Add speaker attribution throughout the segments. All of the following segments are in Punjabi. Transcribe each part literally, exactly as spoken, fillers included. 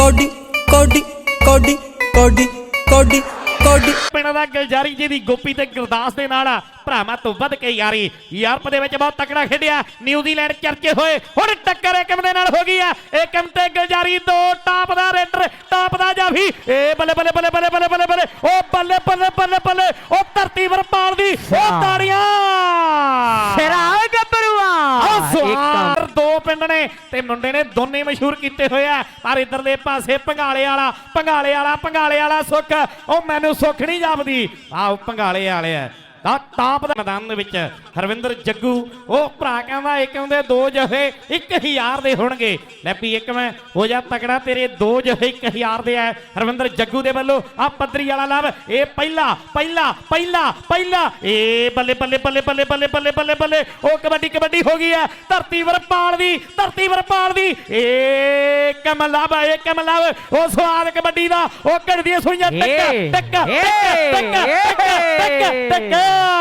Speaker 1: ਕੋਡੀ ਕੋਡੀ ਕੋਡੀ ਕੋਡੀ ਕੋਡੀ ਕੋਡੀ
Speaker 2: ਪਿੰਡ ਦਾ ਗੁਲਜ਼ਾਰੀ ਜੀ ਦੀ ਗੋਪੀ ਤੇ ਗੁਰਦਾਸ ਦੇ ਨਾਲ ਭਰਾਵਾਂ ਤੋਂ ਵੱਧ ਕੇ ਯਾਰੀ ਯੂਰਪ ਦੇ ਵਿੱਚ ਬਹੁਤ ਤਕੜਾ ਖੇਡਿਆ ਨਿਊਜ਼ੀਲੈਂਡ ਚਰਚੇ ਹੋਏ ਹੁਣ ਟੱਕਰ ਏਕਮ ਦੇ ਨਾਲ ਹੋ ਗਈ ਆ ਏਕਮ ਤੇ ਗੁਲਜ਼ਾਰੀ ਦੋ ਟਾਪ ਦਾ ਰੇਡਰ ਟਾਪ ਦਾ ਜਾਫੀ ਏ ਬੱਲੇ ਬੱਲੇ ਬੱਲੇ ਬੱਲੇ ਬੱਲੇ ਬੱਲੇ ਬੱਲੇ ਉਹ ਬੱਲੇ ਬੱਲੇ ਬੱਲੇ ਬੱਲੇ ਉਹ ਧਰਤੀ ਵਰਪਾਲ ਦੀ ਉਹ ਤਾੜੀਆਂ
Speaker 3: ਸਿਰਾ ਗੱਭਰੂਆ
Speaker 2: ਦੋ ਪਿੰਡ ਨੇ ਤੇ ਮੁੰਡੇ ਨੇ ਦੋਨੇ ਮਸ਼ਹੂਰ ਕੀਤੇ ਹੋਏ ਆ ਪਰ ਇਧਰ ਦੇ ਪਾਸੇ ਭੰਗਾਲੇ ਵਾਲਾ ਭੰਗਾਲੇ ਵਾਲਾ ਭੰਗਾਲੇ ਵਾਲਾ ਸੁੱਖ ਉਹ ਮੈਨੂੰ ਸੁੱਖ ਨਹੀਂ ਜਾਪਦੀ ਆਹ ਭੰਗਾਲੇ ਵਾਲੇ ਆ ਦਾ ਟਾਪ ਦੇ ਮੈਦਾਨ ਦੇ ਵਿੱਚ ਹਰਵਿੰਦਰ ਜੱਗੂ ਉਹ ਭਰਾ ਕਹਿੰਦਾ ਏਕਮ ਦੇ ਦੋ ਜਫੇ ਇੱਕ ਹਜ਼ਾਰ ਦੇ ਹੋਣਗੇ ਲੈ ਵੀ ਏਕਮ ਹੋ ਜਾ ਤਕੜਾ ਤੇਰੇ ਦੋ ਜਫੇ ਇੱਕ ਹਜ਼ਾਰ ਦੇ ਆ ਹਰਵਿੰਦਰ ਜੱਗੂ ਦੇ ਵੱਲੋਂ ਆ ਪੱਧਰੀ ਵਾਲਾ ਲਵ ਇਹ ਪਹਿਲਾ ਪਹਿਲਾ ਪਹਿਲਾ ਪਹਿਲਾ ਏ ਬੱਲੇ ਬੱਲੇ ਬੱਲੇ ਬੱਲੇ ਬੱਲੇ ਬੱਲੇ ਬੱਲੇ ਬੱਲੇ ਉਹ ਕਬੱਡੀ ਕਬੱਡੀ ਹੋ ਗਈ ਹੈ ਧਰਤੀ ਵਰਪਾਲ ਦੀ ਧਰਤੀ ਵਰਪਾਲ ਦੀ ਏ ਕਮਲਵ ਏ ਕਮਲਵ ਉਹ ਸਵਾਦ ਕਬੱਡੀ ਦਾ ਉਹ ਘੜਦੀਆਂ ਸੁਈਆਂ ਟੱਕ ਟੱਕ ਟੱਕ ਟੱਕ ਟੱਕ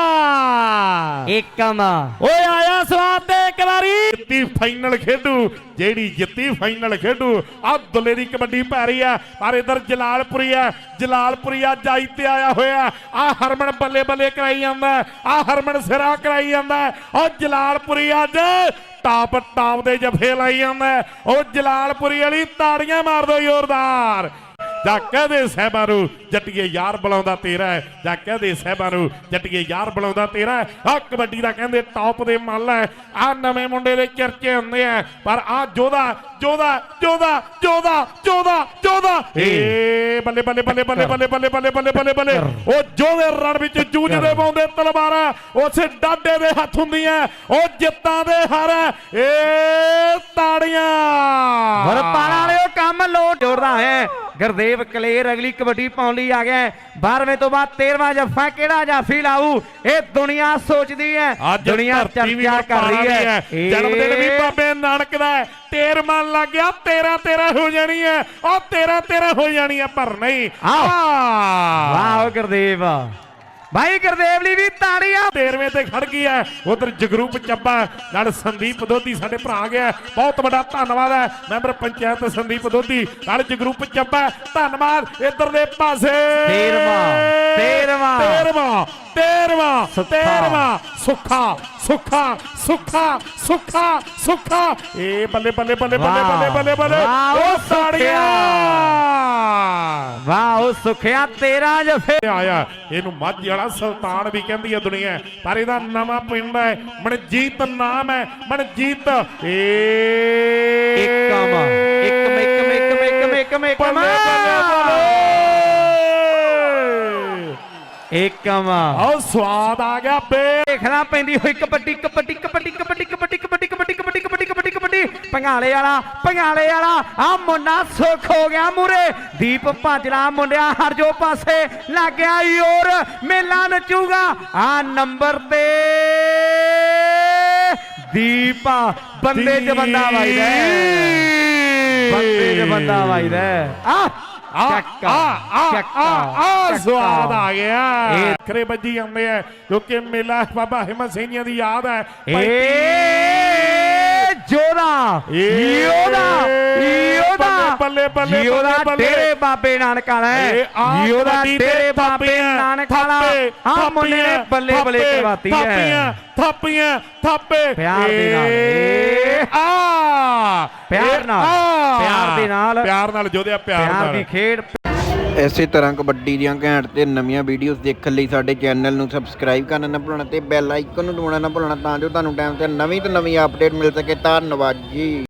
Speaker 3: ਏਕਮ
Speaker 2: ਓਏ ਆਇਆ ਸਵਾਦ ਤੇ ਇੱਕ ਵਾਰੀ ਜਿੱਤੀ ਫਾਈਨਲ ਖੇਡੂ ਜਿਹੜੀ ਜਿੱਤੀ ਫਾਈਨਲ ਖੇਡੂ ਆ ਦੁੱਲੇ ਦੀ ਕਬੱਡੀ ਪੈ ਰਹੀ ਆ ਪਰ ਇਧਰ ਜਲਾਲਪੁਰੀ ਆ ਜਲਾਲਪੁਰੀ ਆ ਜਾਈ ਤੇ ਆਇਆ ਹੋਇਆ ਆ ਹਰਮਨ ਬੱਲੇ ਬੱਲੇ ਕਰਾਈ ਜਾਂਦਾ ਆ ਹਰਮਨ ਸਿਰਾ ਕਰਾਈ ਜਾਂਦਾ ਉਹ ਜਲਾਲਪੁਰੀ ਅੱਜ ਟਾਪ ਟਾਪ ਦੇ ਜਫੇ ਲਾਈ ਜਾਂਦਾ ਉਹ ਜਲਾਲਪੁਰੀ ਵਾਲੀ ਤਾੜੀਆਂ ਮਾਰ ਦੋ ਜ਼ੋਰਦਾਰ ਜਾਂ ਕਹਦੇ ਸਾਹਿਬਾਂ ਨੂੰ ਜੱਟੀਏ ਯਾਰ ਬੁਲਾਉਂਦਾ ਤੇਰਾ ਜਾਂ ਕਹਦੇ ਸਾਹਿਬਾਂ ਨੂੰ ਜੱਟੀਏ ਯਾਰ ਬੁਲਾਉਂਦਾ ਤੇਰਾ ਆ ਕਬੱਡੀ ਦਾ ਕਹਿੰਦੇ ਟੌਪ ਦੇ ਮੱਲ ਹੈ ਆ ਨਵੇਂ ਮੁੰਡੇ ਦੇ ਚਰਚੇ ਹੁੰਦੇ ਆ ਪਰ ਆ ਜੋਧਾ ਜੋਧਾ ਜੋਧਾ ਜੋਧਾ ਜੋਧਾ ਜੋਧਾ ਏ ਬੱਲੇ ਬੱਲੇ ਬੱਲੇ ਬੱਲੇ ਬੱਲੇ ਬੱਲੇ ਬੱਲੇ ਬੱਲੇ ਬੱਲੇ ਬੱਲੇ ਉਹ ਜੋਧੇ ਰਣ ਵਿੱਚ ਜੂਝਦੇ ਪਾਉਂਦੇ ਤਲਵਾਰਾਂ ਉਸੇ ਡਾਡੇ ਦੇ ਹੱਥ ਹੁੰਦੀਆਂ ਉਹ ਜਿੱਤਾਂ ਦੇ ਹਰ ਏ ਤਾੜੀਆਂ
Speaker 3: ਵਰਪਾਲ ਵਾਲਿਓ ਕੰਮ ਲੋਟ ਜੋੜਦਾ ਹੈ ਗੁਰਦੇਵ ਕਲੇਰ ਅਗਲੀ ਕਬੱਡੀ ਪਾਉਣ ਲਈ ਆ ਗਿਆ ਬਾਰਵੇਂ ਤੋਂ ਬਾਅਦ ਤੇਰਵਾਂ ਜੱਫਾ ਕਿਹੜਾ ਜਾਫੀ ਲਾਊ ਇਹ ਦੁਨੀਆ ਸੋਚਦੀ ਹੈ ਦੁਨੀਆ ਚਰਚਾ ਕਰ ਰਹੀ ਹੈ
Speaker 2: ਜਨਮ ਦਿਨ ਵੀ ਬਾਬੇ ਨਾਨਕ ਦਾ ਤੇਰ ਮਨ ਲੱਗ ਗਿਆ ਤੇਰਾ ਤੇਰਾ ਹੋ ਜਾਣੀ ਹੈ ਉਹ ਤੇਰਾ ਤੇਰਾ ਹੋ ਜਾਣੀ ਹੈ ਪਰ ਨਹੀਂ
Speaker 3: ਵਾਹ ਗੁਰਦੇਵ ਭਾਈ ਗੁਰਦੇਵ ਲਈ ਵੀ ਤਾੜੀਆਂ
Speaker 2: ਤੇਰਵੇਂ ਤੇ ਖੜ ਗਈ ਹੈ ਉਧਰ ਜਗਰੂਪ ਚੱਬਾ ਨਾਲ ਸੰਦੀਪ ਦੋਧੀ ਸਾਡੇ ਭਰਾ ਗਿਆ ਬਹੁਤ ਵੱਡਾ ਧੰਨਵਾਦ ਹੈ ਮੈਂਬਰ ਪੰਚਾਇਤ ਸੰਦੀਪ ਦੋਧੀ ਨਾਲ ਜਗਰੂਪ ਚੱਬਾ ਧੰਨਵਾਦ ਇਧਰ ਦੇ ਪਾਸੇ
Speaker 3: ਤੇਰਵਾਂ ਤੇਰਵਾਂ
Speaker 2: ਤੇਰਵਾਂ ਤੇਰਵਾਂ ਤੇਰਵਾਂ ਸੁੱਖਾ ਸੁੱਖਾ ਸੁੱਖਾ ਸੁੱਖਾ ਸੁੱਖਾ ਏ ਬੱਲੇ ਬੱਲੇ ਬੱਲੇ ਬੱਲੇ ਬੱਲੇ ਬੱਲੇ ਬੱਲੇ ਉਹ ਤਾੜੀਆਂ
Speaker 3: ਵਾਹ ਉਹ ਸੁਖਿਆ ਤੇਰਾ ਜਫੇ
Speaker 2: ਆਇਆ ਇਹਨੂੰ ਮਾਝੀ ਵਾਲਾ ਸੁਲਤਾਨ ਵੀ ਕਹਿੰਦੀ ਹੈ ਦੁਨੀਆ ਪਰ ਇਹਦਾ ਨਵਾਂ ਪਿੰਡ ਹੈ ਮਨਜੀਤ ਨਾਮ ਹੈ ਮਨਜੀਤ ਏ
Speaker 3: ਏਕਮ ਏਕਮ ਏਕਮ ਏਕਮ ਏਕਮ ਏਕਮ ਏਕਮ
Speaker 2: ਆਹ ਸਵਾਦ ਆ ਗਿਆ ਬੇ
Speaker 3: ਦੇਖਣਾ ਪੈਂਦੀ ਹੋਈ ਕਬੱਡੀ ਕਬੱਡੀ ਕਬੱਡੀ ਕਬੱਡੀ ਕਬੱਡੀ ਕਬੱਡੀ ਕਬੱਡੀ ਕਬੱਡੀ ਕਬੱਡੀ ਕਬੱਡੀ ਕਬੱਡੀ ਭੰਗਾਲੇ ਵਾਲਾ ਭੰਗਾਲੇ ਵਾਲਾ ਆ ਮੁੰਡਾ ਸੁੱਖ ਹੋ ਗਿਆ ਮੂਰੇ ਦੀਪ ਭਾਜਲਾ ਮੁੰਡਿਆ ਹਰ ਜੋ ਪਾਸੇ ਲੱਗ ਗਿਆ ਯੋਰ ਮੇਲਾ ਨਚੂਗਾ ਆ ਨੰਬਰ ਤੇ ਦੀਪ ਬੰਦੇ ਚ ਬੰਦਾ ਵਾਈਦਾ ਬੰਦੇ ਚ ਬੰਦਾ ਵਾਈਦਾ ਆ
Speaker 2: ਆ ਆ ਆ ਆ ਸਵਾਦ ਆ ਗਿਆ ਖਰੇ ਵੱਜੀ ਆਉਂਦੇ ਆ ਕਿਉਂਕਿ ਮੇਲਾ ਬਾਬਾ ਹਿੰਮਤ ਸਿੰਘੀਆਂ ਦੀ ਯਾਦ ਹੈ
Speaker 3: ਏ ਜੋਧਾ ਯੋਧਾ ਯੋਧਾ
Speaker 2: ਬੱਲੇ ਬੱਲੇ
Speaker 3: ਯੋਧਾ ਤੇਰੇ ਬਾਬੇ ਨਾਨਕ ਵਾਲਾ ਯੋਧਾ ਤੇਰੇ ਬਾਬੇ ਨਾਨਕ ਵਾਲਾ ਆ ਮੁੰਡੇ ਨੇ ਬੱਲੇ ਬੱਲੇ ਕਰਵਾਤੀ ਹੈ
Speaker 2: ਥਾਪੀਆਂ ਥਾਪੀਆਂ ਥਾਪੇ
Speaker 3: ਪਿਆਰ ਦੇ ਨਾਲ
Speaker 2: ਆ
Speaker 3: ਪਿਆਰ ਨਾਲ ਪਿਆਰ ਦੇ ਨਾਲ
Speaker 2: ਪਿਆਰ ਨਾਲ ਜੋਧਿਆ ਪਿਆਰ ਨਾਲ
Speaker 3: ਦੀ ਖੇਡ
Speaker 4: ਇਸੇ ਤਰ੍ਹਾਂ ਕਬੱਡੀ ਦੀਆਂ ਘੈਂਟ ਤੇ ਨਵੀਆਂ ਵੀਡੀਓਜ਼ ਦੇਖਣ ਲਈ ਸਾਡੇ ਚੈਨਲ ਨੂੰ ਸਬਸਕ੍ਰਾਈਬ ਕਰਨਾ ਨਾ ਭੁੱਲਣਾ ਤੇ ਬੈਲ ਆਈਕਨ ਨੂੰ ਦਬਾਉਣਾ ਨਾ ਭੁੱਲਣਾ ਤਾਂ ਜੋ ਤੁਹਾਨੂੰ ਟਾਈਮ ਤੇ ਨਵੀਂ ਤੋਂ ਨਵੀਂ ਅਪਡੇਟ ਮਿਲ ਸਕੇ। ਧੰਨਵਾਦ ਜੀ।